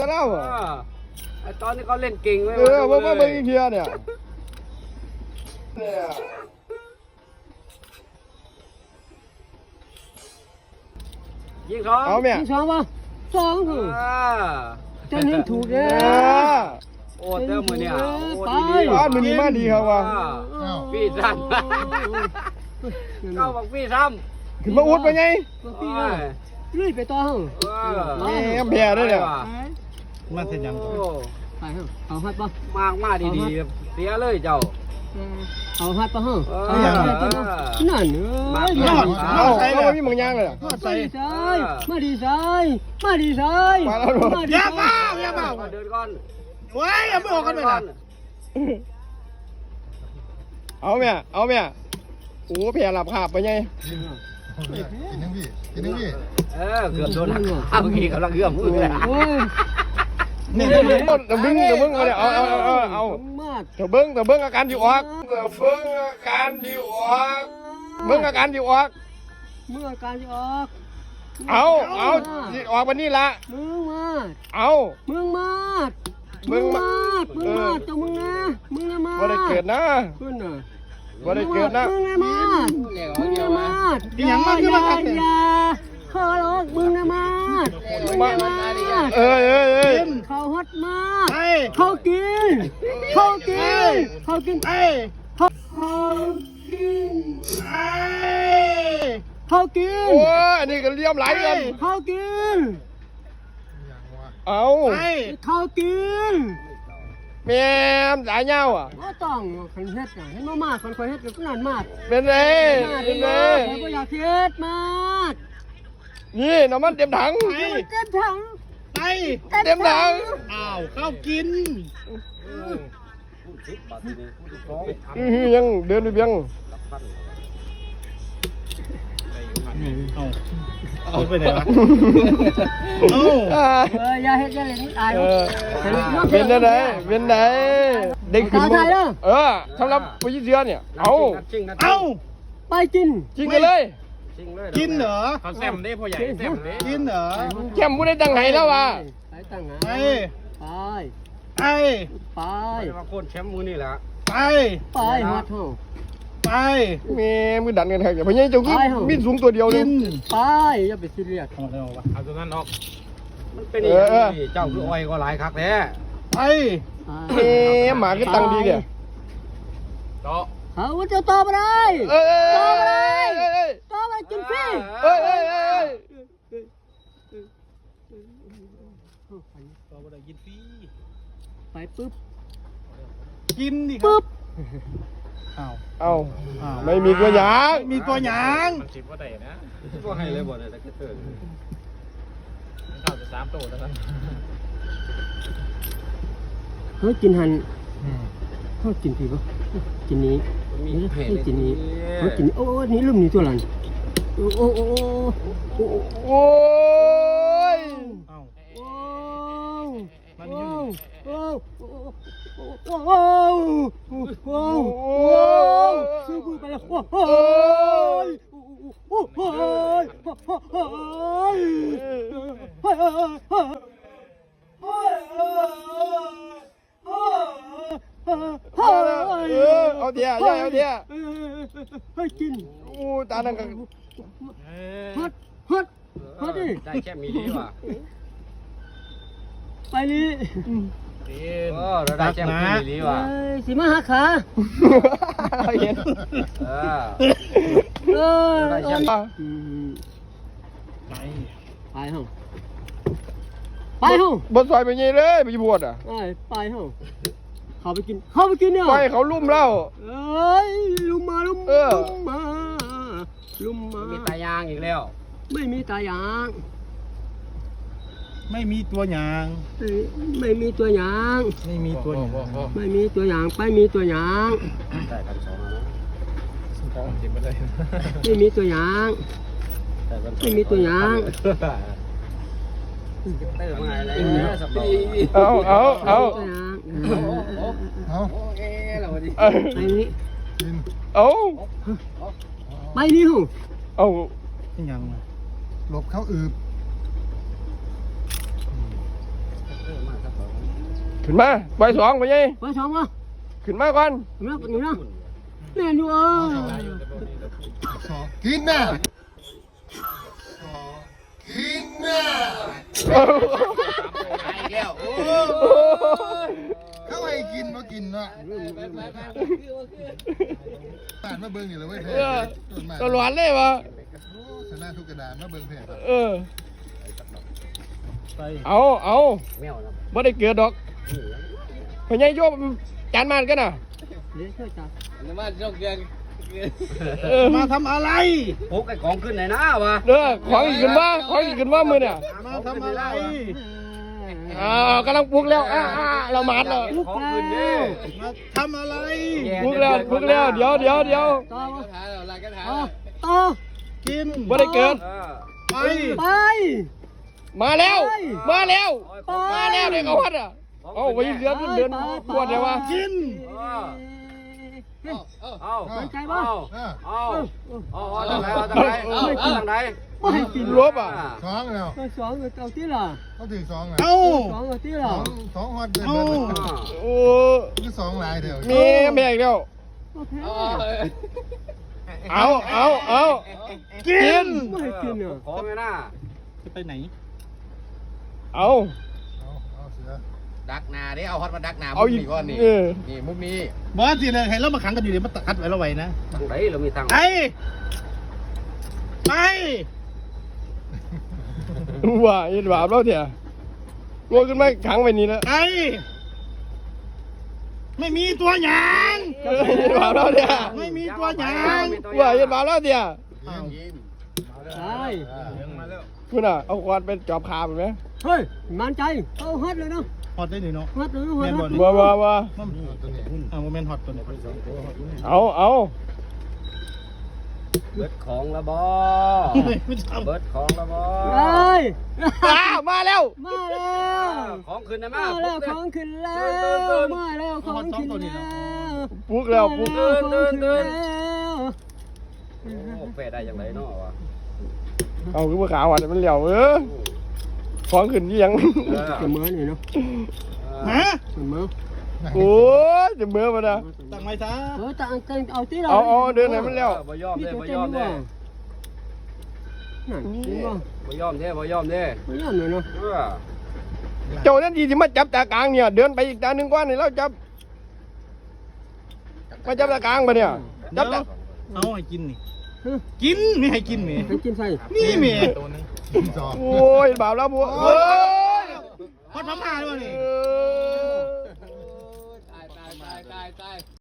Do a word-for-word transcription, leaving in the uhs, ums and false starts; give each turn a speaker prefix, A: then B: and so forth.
A: เล่าอ่ะ
B: ไอตอนนี้เขาเล่นเก่งเลย
A: เออว่าว่าเบิ่งอีกเทียเนี่ย
B: ยิงสอง
A: เอาแม่
C: ยิงสองป่ะสองเหรอจะนึกถูกเลย
B: โอ้เจ้ามือเนี่ยโอ้ดี
A: บ้านมันนี่มาดีครับว่ะ
B: พี่ซ้ำเข้าบอกพี่ซ้ำ
A: ขึ้นมาอุดไปไง
C: พี่เลื่อยไปต่อเหรอ
A: แม่แพ้ด้วยเนี่ย
D: มาเสร็จยัง
C: ไปเหรอเอาฮัดป่ะ
B: มากมากดีๆเสียเลยเจ้า
C: เอาฮัดป่ะเหรอเอาฮัดป่ะนั่นเอ้ย
A: เอาเอาไม่มีมังยางเลยอ่ะ
C: มาดีใจมาดีใจมาดีใจ
A: มาแล้ว
C: มาดี
D: อย่า
C: ใจ
D: เมาอย่าเมา
B: เดินก่อน
D: โอ้ยอย่าไม่ออกกันเลยนะ
A: เอาแม่เอาแม่โอ้แพ้หลับขาบไปไง
E: กินนึงพี่กินนึงพี่
B: เออเกือบโดนหักข้าวกี่กำลังเอื้อมมือเลย
C: โอ้ย
A: นี่เดี๋ยวเดี๋ยวเบิ้งเดี๋ยวเบิ้งเอาเอาเอาเอาเอา
C: มาก
A: เดี๋ยวเบิ้งเดี๋ยวเบิ้งอาการที่ออกเดี๋ยวเบิ้งอาการที่ออกเบิ้งอาการที่ออก
C: เมื่อการจะออก
A: เอาเอาที่ออกวันนี้ละ
C: มึงมา
A: เอา
C: มึงมา
A: มึ
C: มึ
A: ง
C: ง
A: มา
C: มามึงมาตัวมึงนะมึงนะมา
A: บ่ได้เกิดนะ
C: ขึ้นน่ะ
A: บ่ได้เกิดนะ
C: มึงนะมามึงนะมา
D: อย่างมากขึ้นมาครับ
C: อย่าขอร้องมึงนะมามึงนะมา
A: เอ้ยเอ้ยเอ้ย
C: เขาฮอตมาก
D: ไอ้
C: เขากินเขากินเขากิน
D: ไอ้
C: เขากิน
D: ไอ้
C: เขากิน
A: โอ้ยอันนี้ก็เลี่ยมไหลกัน
C: เขากิน
A: เอา
D: ไอ้
C: เขากิน
A: แม่มสายเงาอ่ะ
C: ก็ต้องคันเฮ็ดน่ะให้มากๆคนคอยเฮ็ดก็นั่นมาก
A: เป็นไง
C: มาก
A: เป็นไง
C: มากผมก็อยากเฮ็ดมาก
A: นี่น้ำมันเต็มถัง
D: ไอ้
C: เต็มถัง
D: ไอ้
A: เต็มถัง
D: อ้าวข้าวกิน
A: อือหือยังเดินไปเพียง
D: เอาเอาไปไหนวะเอา
A: อ่า
C: เอออย่าเฮ็ดอย่าเล่นอาย
A: เออเป็นไงเป็นไงเด็กขึ้นมือเออสำหรับผู้ยิ่งเสือเนี่ยเอา
D: เอา
C: ไปกิน
A: จริงกันเลย
D: กินเหรอ
B: เขาแซมได้พ่อใหญ่แซมได้
D: กินเหรอ
A: แก้มผู้ได้ตั้งไห้แล้วว่ะ
C: ไปตั้งหา
D: ไอ้
C: ไป
D: ไอ้
C: ไป
B: มาโค่นแชมป์มือนี่แหละ
D: ไป
C: ไปฮอดเฮา
D: ไป
A: แม่มือดันกันแท้อย่าพยายามจะขึ้นมีสูงตัวเดียว
D: กิ
A: นึง
D: น
C: ไปอย่าไปซีเรียส
D: เอาเอาวะ
B: เอาตัวนั้นออกมันเป็นอย่างนี้เจ้าคืออ้อยก็หลายคักแท้
D: ไป
A: แม่หมาก็ตั้งดีเนี่ย
B: ต่อ
C: เอาว่าจะตอบอะไร
A: เอ้ย
C: ตอบอะไร
A: เอ้ยเอ้ย
C: ตอบอะไรกินฟรี
A: เอ้ยเอ้ยเอ้ย
D: ต่อไปได้กินฟรี
C: ไปปุ๊บ
D: กินดิ
C: ปุ๊บ
D: อ้าว
A: เอา
D: อ้าว
A: ไม่มีตัวอย่าง
D: มีตัวหยาง
B: มันสิบว่าได้นะพวกให้เลยบ่ได้แต่ก็เตือนเข้าจะสามตัวแล้วกัน
C: เฮ้ยกินหันเขากินผีปะกินนี้
B: มี
C: เฮ้ยกินนี้เฮ้ยกินโอ้นี่ลืมนี่ตัวหลังโอ้โอ้โอ้โอ้
A: โอ้ย
D: เอ้า
C: โอ้
D: มัน
C: โอ้
D: อยู่
C: โอ้โอ้โอ้โอ้ซื้อกูไปแล้วโอ้โอ้ยโอ้โอ้ยโอ้ยโอ้ย
A: เออเอาเดียวเอาเดียว
C: ให้กิน
A: โอ้ตานังกัน
C: ฮัดฮัดฮัดดิ
B: ได้แค่มีดีว่ะ
C: ไปนี่
B: เออเราได้แค่มีดีว่ะ
C: สิมาหาขา
A: เห็น
B: เออ
C: เออ
B: ได้แค่
C: ไป
D: ไป
C: ไปห้องไปห้อง
A: บนซอยไปยี่เลยไปบวชอ่ะ
C: ไปไปห้องเขาไปกินเขาไปกินเนี่ย
A: ไปเขาลุ่มเล่า
C: เอ้ยลุมมาลุม
A: เออ
C: มาลุมมา
B: มีตายางอีกแล้ว
C: ไม่มีตายาง
D: ไม่มีตัวหยาง
C: ไม่ไม่มีตัวอยาง
D: ไม่มีตัวหยาง
C: ไม่มีตัวอย่างไปมีตัวอย่าง
B: ได้กันสองนะสองสิบไม่ได้
C: ไม่มีตัวอย่างไม่มีตัวอย่าง
B: เติมมาอะไรสับปี
A: เอาเอาเอา
C: ตัวอย่าง
E: เอา
B: เอ๊ะเราดิ
A: เอา
C: ไปนี่
E: กิน
A: เอา
C: ไปนี่หู
A: เอา
D: ยังไง
E: หลบเข้าอืบ
A: ขึ้นมาใบสองไปยัย
C: ไปสองมา
A: ขึ้นมาก่อน
C: เนาะนี่นะเล่นอยู่เออ
E: สองกินนะกินนะ
A: โอ้โห
E: เข้าให้กินมากินนะผ่านมาเบิ้งนี่เลยเว้ย
A: เอ
E: แพ้
A: อตลอดเลยวะ
E: ชนะทุกกระดานมาเบิ้งแพ้
A: เออเอาเอาไม่ได้เกิดดอกพญายโยมจานมันกันน่ะ
C: เดี๋ยวช่วยจับ
B: มาจกยัง
A: เออ
D: มาทำอะไร
B: พกไอ้ของขึ้นไหนนะวะ
A: เด้อของอีกขึ้นมาของอีกขึ้นมามือเนี่ย
D: มาทำอะไร
A: อ้าวกำลังปลุกแล้วอ้าอ้าเรามาดแล้ว
B: ของขึ้นดิ
D: มาทำอะไร
A: ปลุกแล้วปลุกแล้วเดี๋ยวเดี๋ยวเดี๋ยว
C: ต่อมา
B: หาอะไรกันหา
C: ต่อต่อ
D: กิน
A: ไม่ได้เกิด
D: ไป
C: ไป
A: มาแล้ว มาแล้ว
C: ไป
A: มาแล้วเด็กเขาวัดอ่ะเอาไปเดือนเดือนปวดเลยวะ
D: กิน
B: เอา
C: สนใจป่ะ
E: อ่ะ
B: เอาเอาเอาทางไหนเอาทางไหนเอาทางไหน
C: ไม่ให้กิน
A: ลบอ่ะ
E: สองแล้ว
C: ตัวสองเอาที่ล่ะ
E: เขาถึงสองแล้ว
D: เอา
C: สองเอาที่
E: ส
C: ล่ะ
E: องสองฮอตเดิน
D: เอา
E: เดิน
A: โอ้
E: คือสองลายเดียว
A: มีแม่อีกแล้ว
C: โอเค
A: เอาเอาเอากิน
C: ไม่ให้กินอ่ะ
B: ของไงน่ะ
D: จะไปไหน
A: เอา
E: เอาเอาเสือ
B: ดักนาดิเอาฮอตมาดักนา
A: เอาอีก
B: ก้อนนี่
A: เออ
B: นี่มุกนี้
D: บอสสิเลยให้เรามาขังกันอยู่เดี๋ยวมาตัดไว้เราไว้นะ
B: ทางไหนเรามีทาง
D: ไป ไป
A: ว่าเห็นบาปแล้วเถอะงัวขึ้นมาขังไว้นี่แล้ว
D: ไป ไม่มีตัวหยาง
A: เออเห็นบาปแล้วเถอะ
D: ไม่มีตัวหยาง
A: ว่าเห็นบาปแล้วเถอะ
E: ยิง
C: ใช่
A: คุณอ่ะเอาควานเป็นจอบขาแบบไหม
C: เฮ้ยมันใจเอาฮัดเลยเนาะ
D: ฮอตได้หนิเนาะ
C: ฮัดเลยฮัด
A: ว่าว่าว่า
E: ตัวนี้
D: อ่าโมเมนต์ฮอตตัวนี้
A: เอาเอา
B: เบิดของละบอ
D: ไม่ทำ
B: เบิดของละบอ
C: เฮ้ย
A: อ้าวมาแล้ว
C: มาแล้ว
B: ของขึ้นนะ
C: มา
B: มา
C: แล้วของขึ้นแล้วมาแล้วของขึ้นแล้ว
A: ปลุกแล้วปลุก
C: มาแล้วของขึ้นแล้ว
B: โอ้แฟได้ยังไงเนาะวะ
A: เอาคือว่าขาวอ่ะมันเหลียวเออของขึ้นเยี่ยง
C: เสมอนี่เนาะ
D: ฮะ
C: เสมอ
A: โอ้ยจะเมื่อมานะ
D: ตั้งไว้ซะ
C: เออต่างกันเอาที่เรา
A: เอาเอาเดินไหนมันแล้ว
B: บ่ยอม
C: พี่
B: เด้
C: ตัว
B: บ่
C: เต้
B: ย
C: น
B: อม
C: ด้ว
B: เด้
C: ยนั่นจริงป่ะ
B: บ่ยอมเด้บ่ยอมเด้
C: ไม่ยอมเลยเนาะ
B: เออ
A: เจ้านั่นดีที่มาจับตากลางเนี่ย เดินไปอีกตาหนึ่งกว่านี่แล้วจับมาจับตากลางไปเนี่ยจับตา
D: เอาให้กินนี่ กินไม่ให้กินนี่
C: ให้กินใส่
D: นี่เมีย
E: สอง
A: โอ้ยบาปแล้วบัวเฮ้ย
D: ฮอตพม่าด้วยนี่
A: เออ